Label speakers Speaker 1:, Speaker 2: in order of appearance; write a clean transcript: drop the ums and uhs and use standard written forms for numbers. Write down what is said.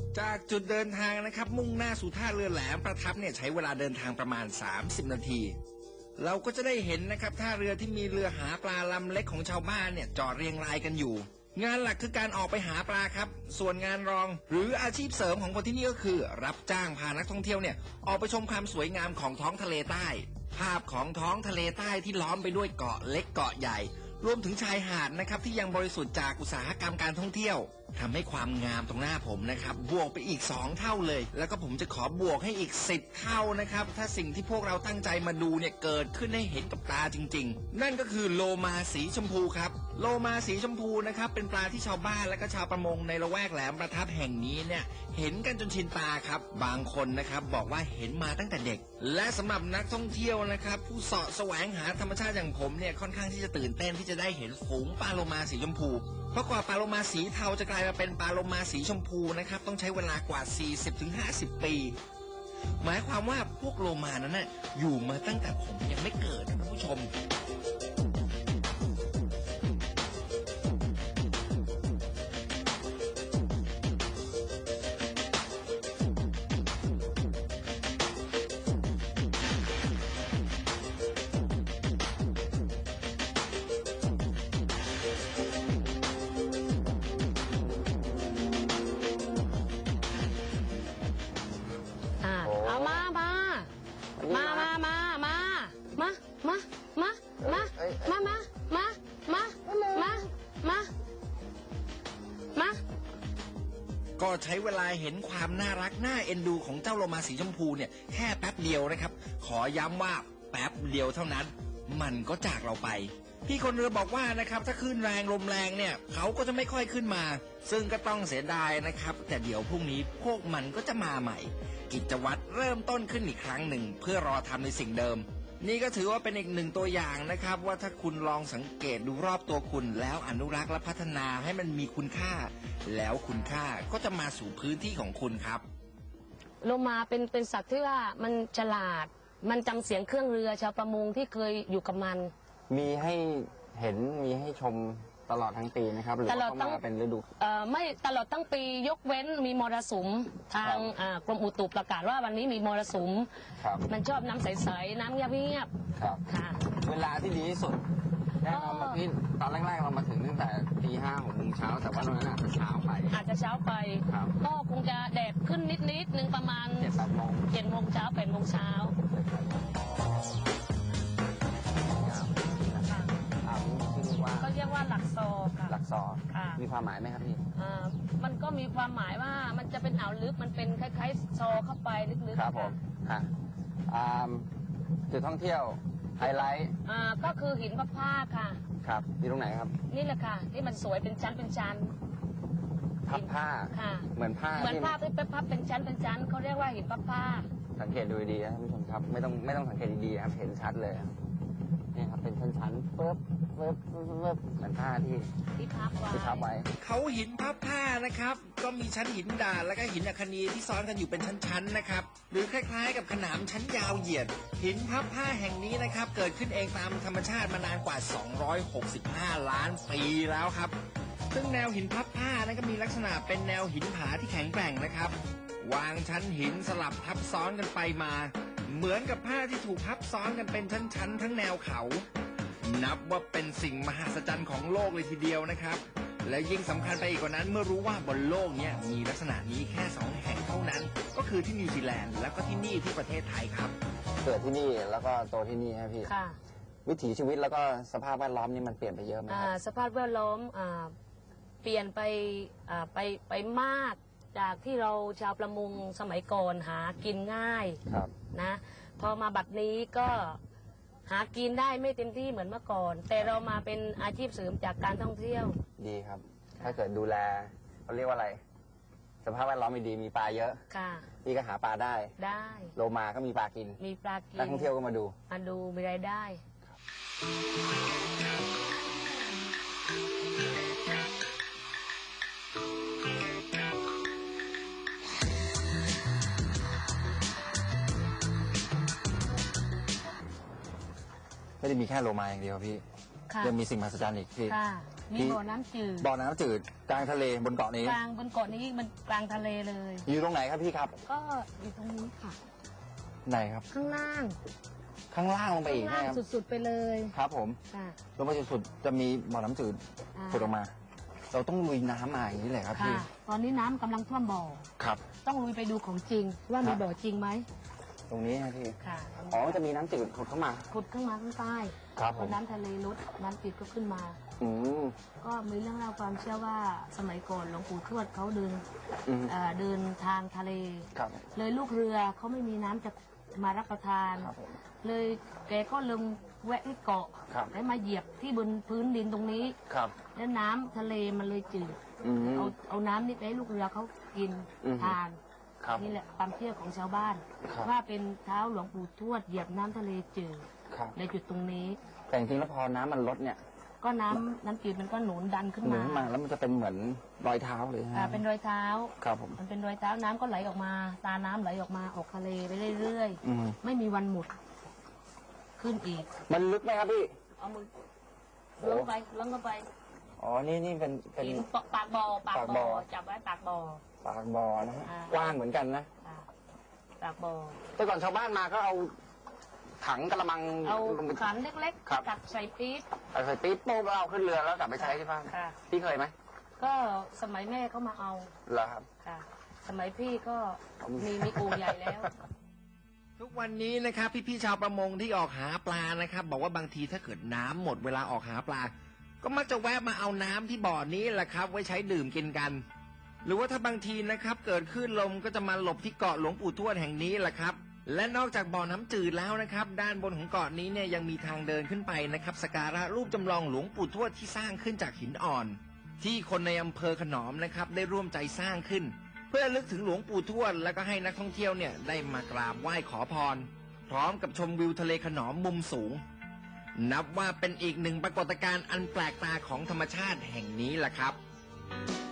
Speaker 1: จากจุดเดินทางนะครับมุ่งหน้าสู่ท่าเรือแหลมประทับเนี่ยใช้เวลาเดินทางประมาณ30 นาที เราก็จะได้เห็นนะครับท่าเรือที่มีเรือหาปลาลำเล็กของชาวบ้านเนี่ยจอดเรียงรายกันอยู่งานหลักคือการออกไปหาปลาครับส่วนงานรองหรืออาชีพเสริมของคนที่นี่ก็คือรับจ้างพานักท่องเที่ยวเนี่ยออกไปชมความสวยงามของท้องทะเลใต้ภาพของท้องทะเลใต้ที่ล้อมไปด้วยเกาะเล็กเกาะใหญ่รวมถึงชายหาดนะครับที่ยังบริสุทธิ์จากอุตสาหกรรมการท่องเที่ยวทำให้ความงามตรงหน้าผมนะครับบวกไปอีก2เท่าเลยแล้วก็ผมจะขอบวกให้อีก10เท่านะครับถ้าสิ่งที่พวกเราตั้งใจมาดูเนี่ยเกิดขึ้นให้เห็นกับตาจริงๆนั่นก็คือโลมาสีชมพูครับโลมาสีชมพูนะครับเป็นปลาที่ชาวบ้านและก็ชาวประมงในละแวกแหลมประทับแห่งนี้เนี่ยเห็นกันจนชินตาครับบางคนนะครับบอกว่าเห็นมาตั้งแต่เด็กและสำหรับนักท่องเที่ยวนะครับผู้เสาะแสวงหาธรรมชาติอย่างผมเนี่ยค่อนข้างที่จะตื่นเต้นที่จะได้เห็นฝูงปลาโลมาสีชมพูเพราะกว่าปลาโลมาสีเทาจะกลายมาเป็นปลาโลมาสีชมพูนะครับต้องใช้เวลากว่า 40-50 ปีหมายความว่าพวกโลมานั้นน่ะอยู่มาตั้งแต่ผมยังไม่เกิดนะท่านผู้ชม
Speaker 2: เอามา
Speaker 1: ก็ใช้เวลาเห็นความน่ารักน่าเอ็นดูของเจ้าโลมาสีชมพูเนี่ยแค่แป๊บเดียวนะครับขอย้ำว่าแป๊บเดียวเท่านั้นมันก็จากเราไปพี่คนเรือบอกว่านะครับถ้าคลื่นแรงลมแรงเนี่ยเขาก็จะไม่ค่อยขึ้นมาซึ่งก็ต้องเสียดายนะครับแต่เดี๋ยวพรุ่งนี้พวกมันก็จะมาใหม่กิจวัตรเริ่มต้นขึ้นอีกครั้งหนึ่งเพื่อรอทำในสิ่งเดิมนี่ก็ถือว่าเป็นอีกหนึ่งตัวอย่างนะครับว่าถ้าคุณลองสังเกตดูรอบตัวคุณแล้วอนุรักษ์และพัฒนาให้มันมีคุณค่าแล้วคุณค่าก็จะมาสู่พื้นที่ของคุณครับ
Speaker 2: โลมาเป็นสัตว์ที่ว่ามันฉลาดมันจำเสียงเครื่องเรือชาวประมงที่เคยอยู่กับมัน
Speaker 3: มีให้เห็นมีให้ชมตลอดทั้งปีนะครับหรือว่าต้องมาเป็นฤดู
Speaker 2: ไม่ตลอดทั้งปียกเว้นมีมรสุมทางกรมอุตุประกาศว่าวันนี้มีมรสุมมันชอบน้ำใสๆน้ำเงียบ
Speaker 3: ๆครับค่ะเวลาที่ดีที่สุดแน่นอนพี่ตอนแรกๆเรามาถึงตั้งแต่ตี5 6 โมงเช้าแต่ว่าตอนนั้นอาจจะเช้าไปก็คงจะแดดขึ้นนิดนึงประมาณ7 โมงเช้า8 โมงเช้าก็เรียกว่าหลักซอค่ะหลักซอค่ะมีความหมายไหมครับพี่
Speaker 2: มันก็มีความหมายว่ามันจะเป็นอ่าวลึกมันเป็นคล้ายๆซอเข้าไปลึกๆ
Speaker 3: ครับผมจุดท่องเที่ยวไฮไลท์
Speaker 2: ก็คือหินพระผ้าค่ะ
Speaker 3: ครับอยู่ตรงไหนครับ
Speaker 2: นี่แหละค่ะที่มันสวยเป็นชั้น
Speaker 3: พับผ้า
Speaker 2: ค่ะ
Speaker 3: เหมือนผ้า
Speaker 2: ที่พับเป็นชั้นเขาเรียกว่าหินพระผ้า
Speaker 3: สังเกตดูดีนะท่านผู้ชมครับไม่ต้องสังเกตดีๆครับเห็นชัดเลยนี่ครับเป็นชั้นๆปึ๊บเหมือนผ้าที่พับไว้
Speaker 1: เขาหินพับผ้านะครับก็มีชั้นหินด่านและก็หินอัคนีที่ซ้อนกันอยู่เป็นชั้นๆนะครับหรือคล้ายๆกับขนามชั้นยาวเหยียดหินพับผ้าแห่งนี้นะครับเกิดขึ้นเองตามธรรมชาติมานานกว่า265 ล้านปีแล้วครับซึ่งแนวหินพับผ้านั้นก็มีลักษณะเป็นแนวหินผาที่แข็งแกร่งนะครับวางชั้นหินสลับทับซ้อนกันไปมาเหมือนกับผ้าที่ถูกพับซ้อนกันเป็นชั้นๆทั้งแนวเขานับว่าเป็นสิ่งมหัศจรรย์ของโลกเลยทีเดียวนะครับและยิ่งสำคัญไปอีกกว่านั้นเมื่อรู้ว่าบนโลกนี้มีลักษณะนี้แค่2 แห่งเท่านั้นก็คือที่นิวซีแลนด์แล้วก็ที่นี่ที่ประเทศไทยครับ
Speaker 3: เกิดที่นี่แล้วก็โตที่นี่ครับพี่วิถีชีวิตแล้วก็สภาพแวดล้อมนี่มันเปลี่ยนไปเยอะไหมครับ
Speaker 2: สภาพแวดล้อมเปลี่ยนไปมากจากที่เราชาวประมงสมัยก่อนหากินง่ายนะพอมาบัดนี้ก็หากินได้ไม่เต็มที่เหมือนเมื่อก่อนแต่เรามาเป็นอาชีพเสริมจากการท่องเที่ยว
Speaker 3: ดีครับถ้าเกิดดูแลเขาเรียกว่าอะไรสภาพแวดล้อมดีมีปลาเยอะพี่ก็หาปลาได้โลมาก็มีปลากินนักท่องเที่ยวก็มาดู
Speaker 2: มีรายได้
Speaker 3: ไม่ได้มีแค่โลมาอย่างเดียวพี่ยังมีสิ่งมหัศจรรย์อีกพี่
Speaker 2: มีบ่อน้ำจืด
Speaker 4: บ่อน้ำจืดกลางทะเลบนเกาะนี้
Speaker 2: กลางบนเกาะนี้มันกลางทะเลเลย
Speaker 4: อยู่ตรงไหนครับพี่ครับ
Speaker 2: ก็อยู่ตรงนี้ค่ะ
Speaker 4: ไหนครับ
Speaker 2: ข้างล่าง
Speaker 4: ข้างล่างลงไป
Speaker 2: ข้าง
Speaker 4: อีก
Speaker 2: ล่าง
Speaker 4: นะครับ
Speaker 2: สุดๆไปเลย
Speaker 4: ครับผม
Speaker 2: ค่ะ
Speaker 4: ลงไปสุดๆจะมีบ่อน้ำจืด
Speaker 2: อ่า
Speaker 4: ผุดออกมา เราต้องลุยน้ำมาอย่างนี้เลยครับ
Speaker 2: ค่ะ
Speaker 4: พี่
Speaker 2: ตอนนี้น้ำกำลังท่วมบ่อ
Speaker 4: ครับ
Speaker 2: ต้องลุยไปดูของจริง ว่ามีบ่อจริงไหม
Speaker 4: ตรงนี้นะพี่
Speaker 2: ค่ะ
Speaker 4: อ๋อมันจะมีน้ำจืดผุดเข้ามา
Speaker 2: ขุดขึ้นมาข้างใต้
Speaker 4: ครับผม
Speaker 2: พอน้ำทะเลลดน้ำจืดก็ขึ้นมา
Speaker 4: อืม
Speaker 2: ก็มีเรื่องเล่าความเชื่อว่าสมัยก่อนหลวงปู่ทวดเขาเดิน
Speaker 4: อืม
Speaker 2: เดินทางทะเล
Speaker 4: ครับ
Speaker 2: เลยลูกเรือเขาไม่มีน้ำจะมารับประทาน
Speaker 4: ครับผม
Speaker 2: เลยแกก็ลงแวะที่เกาะ
Speaker 4: ครับ
Speaker 2: แล้วมาเหยียบที่บนพื้นดินตรงนี้
Speaker 4: ครับ
Speaker 2: แล้วน้ำทะเลมันเลยจืด
Speaker 4: อืม
Speaker 2: เอาน้ำนี่ไปให้ลูกเรือเขากิน
Speaker 4: อืม
Speaker 2: ทาน
Speaker 4: ครับ
Speaker 2: นี่แหละความเชื่อของชาวบ้าน
Speaker 4: ครับ
Speaker 2: ว่าเป็นเท้าหลวงปู่ทวดเหยียบน้ำทะเลจืด
Speaker 4: ครับ
Speaker 2: ในจุดตรงนี้
Speaker 4: แต่จริงๆแล้วพอน้ำมันลดเนี่ย
Speaker 2: ก็น้ำจืดมันก็หนุนดันขึ้น
Speaker 4: หนุ
Speaker 2: มา
Speaker 4: นมาแล้วมันจะเป็นเหมือนรอยเท้าเลยฮะ
Speaker 2: เป็นรอยเท้า
Speaker 4: ครับผม
Speaker 2: มันเป็นรอยเท้าน้ำก็ไหลออกมา ตาน้ำไหลออกมาออกทะเลไปเรื่อย
Speaker 4: อืม
Speaker 2: ๆ ไม่มีวันหมด ขึ้นอีก
Speaker 4: มันลึกไหมครับพี่
Speaker 2: เอามือ
Speaker 4: โอ้
Speaker 2: ลงไปลงเข้าไป
Speaker 4: อ๋อ นี่เป็น
Speaker 2: หินปากบ่อ
Speaker 4: ปากบ่อ
Speaker 2: จับไว้ปากบ่อ
Speaker 4: ปากบ่อนะฮะ
Speaker 2: อ่า
Speaker 4: กว้างเหมือนกันนะ
Speaker 2: อ่าปากบ่อ
Speaker 4: แต่ก่อนชาวบ้านมาก็เอาถังกระมัง
Speaker 2: เอา
Speaker 4: ลงไป
Speaker 2: ขันเล็ก
Speaker 4: ครับ
Speaker 2: ๆตักใส่ปี๊บ
Speaker 4: ใส่ปี๊บโป๊กแล้วเอาขึ้นเรือแล้วกลับไปใช้ที่บ้าน
Speaker 2: ค่ะ
Speaker 4: พี่เคยไหม
Speaker 2: ก็สมัยแม่เขามาเอา
Speaker 4: เหรอครับ
Speaker 2: ค่ะ สมัยพี่ก็มีโอ่งใหญ่แล้ว
Speaker 1: ทุกวันนี้นะครับพี่ๆชาวประมงที่ออกหาปลานะครับ บอกว่าบางทีถ้าเกิดน้ำหมดเวลาออกหาปลา ก็มักจะแวะมาเอาน้ำที่บ่อนี้แหละครับ ไว้ใช้ดื่มกินกัน หรือว่าถ้าบางทีนะครับเกิดคลื่นลมก็จะมาหลบที่เกาะหลวงปู่ทวดแห่งนี้แหละครับ และนอกจากบ่อน้ำจืดแล้วนะครับ ด้านบนของเกาะนี้เนี่ยยังมีทางเดินขึ้นไปนะครับสักการะรูปจำลองหลวงปู่ทวดที่สร้างขึ้นจากหินอ่อน ที่คนในอำเภอขนอมนะครับได้ร่วมใจสร้างขึ้น เพื่อระลึกถึงหลวงปู่ทวดและก็ให้นักท่องเที่ยวเนี่ยได้มากราบไหว้ขอพร พร้อมกับชมวิวทะเลขนอมมุมสูง นับว่าเป็นอีกหนึ่งปรากฏการณ์อันแปลกตาของธรรมชาติแห่งนี้แหละครับ